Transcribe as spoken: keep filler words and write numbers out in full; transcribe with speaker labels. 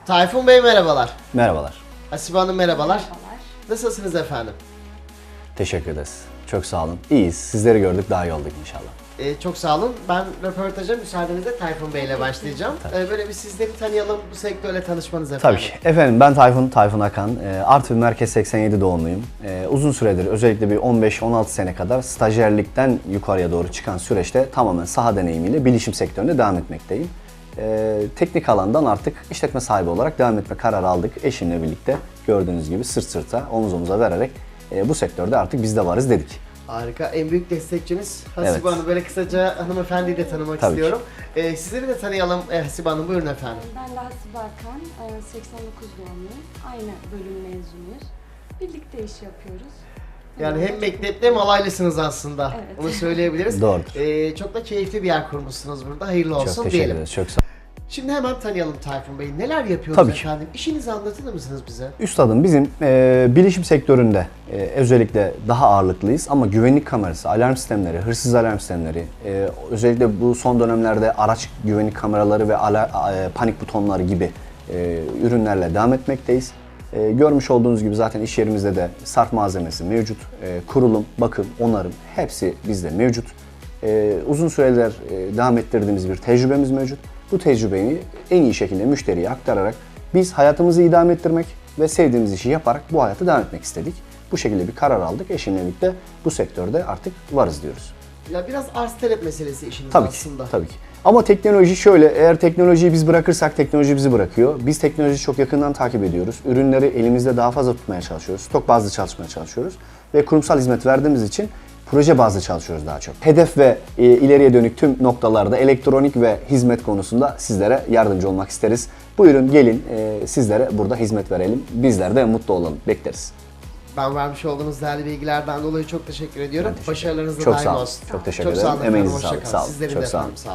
Speaker 1: Tayfun Bey merhabalar.
Speaker 2: Merhabalar.
Speaker 1: Hasibe Hanım merhabalar.
Speaker 3: Merhabalar.
Speaker 1: Nasılsınız efendim?
Speaker 2: Teşekkür ederiz. Çok sağ olun. İyiyiz. Sizleri gördük, daha iyi olduk inşallah.
Speaker 1: Ee, çok sağ olun. Ben röportaja müsaadenizle Tayfun Bey ile başlayacağım. Ee, böyle bir sizleri tanıyalım, bu sektörle tanışmanız efendim.
Speaker 2: Tabii ki. Efendim ben Tayfun, Tayfun Akan. E, Artvin Merkez seksen yedi doğumluyum. E, uzun süredir, özellikle bir on beş on altı sene kadar stajyerlikten yukarıya doğru çıkan süreçte tamamen saha deneyimiyle bilişim sektöründe devam etmekteyim. E, teknik alandan artık işletme sahibi olarak devam etme kararı aldık. Eşimle birlikte gördüğünüz gibi sırt sırta, omuz omuza vererek e, bu sektörde artık biz de varız dedik.
Speaker 1: Harika. En büyük destekçiniz Hasibe
Speaker 2: Evet.
Speaker 1: Hanım. Böyle kısaca hanımefendiyi de tanımak
Speaker 2: Tabii ki.
Speaker 1: istiyorum. Ee, sizleri de tanıyalım ee, Hasibe Hanım. Buyurun efendim.
Speaker 3: Ben de Hasibe Akan, e, seksen dokuz doğumluyum. Aynı bölüm mezunuyuz. Birlikte iş yapıyoruz.
Speaker 1: Yani hem mektepte hem alaylısınız aslında.
Speaker 3: Evet.
Speaker 1: Onu söyleyebiliriz.
Speaker 2: Doğrudur.
Speaker 1: Ee, çok da keyifli bir yer kurmuşsunuz burada. Hayırlı olsun
Speaker 2: Çok teşekkür
Speaker 1: diyelim.
Speaker 2: ederiz. Çok sağ
Speaker 1: Şimdi hemen tanıyalım Tayfun Bey. Neler yapıyoruz
Speaker 2: Tabii ki.
Speaker 1: efendim? İşinizi anlatır mısınız bize?
Speaker 2: Üstadım bizim e, bilişim sektöründe e, özellikle daha ağırlıklıyız ama güvenlik kamerası, alarm sistemleri, hırsız alarm sistemleri, e, özellikle bu son dönemlerde araç güvenlik kameraları ve ala, e, panik butonları gibi e, ürünlerle devam etmekteyiz. E, görmüş olduğunuz gibi zaten iş yerimizde de sarf malzemesi mevcut, e, kurulum, bakım, onarım hepsi bizde mevcut. E, uzun süreler e, devam ettirdiğimiz bir tecrübemiz mevcut. Bu tecrübeyi en iyi şekilde müşteriye aktararak biz hayatımızı idame ettirmek ve sevdiğimiz işi yaparak bu hayata devam etmek istedik. Bu şekilde bir karar aldık. Eşimle birlikte bu sektörde artık varız diyoruz.
Speaker 1: Ya biraz arz talep meselesi işiniz
Speaker 2: Tabii
Speaker 1: aslında.
Speaker 2: ki, tabii ki. Ama teknoloji şöyle, eğer teknolojiyi biz bırakırsak teknoloji bizi bırakıyor. Biz teknolojiyi çok yakından takip ediyoruz. Ürünleri elimizde daha fazla tutmaya çalışıyoruz. Stok bazlı çalışmaya çalışıyoruz. Ve kurumsal hizmet verdiğimiz için proje bazlı çalışıyoruz daha çok. Hedef ve e, ileriye dönük tüm noktalarda elektronik ve hizmet konusunda sizlere yardımcı olmak isteriz. Buyurun gelin e, sizlere burada hizmet verelim. Bizler de mutlu olalım. Bekleriz.
Speaker 1: Ben vermiş olduğunuz değerli bilgilerden dolayı çok teşekkür ediyorum.
Speaker 2: Ben teşekkür ederim.
Speaker 1: Başarılarınız da
Speaker 2: Çok
Speaker 1: daim
Speaker 2: sağ olun.
Speaker 1: olsun.
Speaker 2: Çok teşekkür
Speaker 1: Çok
Speaker 2: ederim.
Speaker 1: sağ olun efendim.
Speaker 2: Emeğinize
Speaker 1: Hoşça
Speaker 2: sağlık.
Speaker 1: kalın.
Speaker 2: Sağ olun.
Speaker 1: Sizlerin
Speaker 2: Çok
Speaker 1: de
Speaker 2: sağ olun.
Speaker 1: efendim. Sağ olun.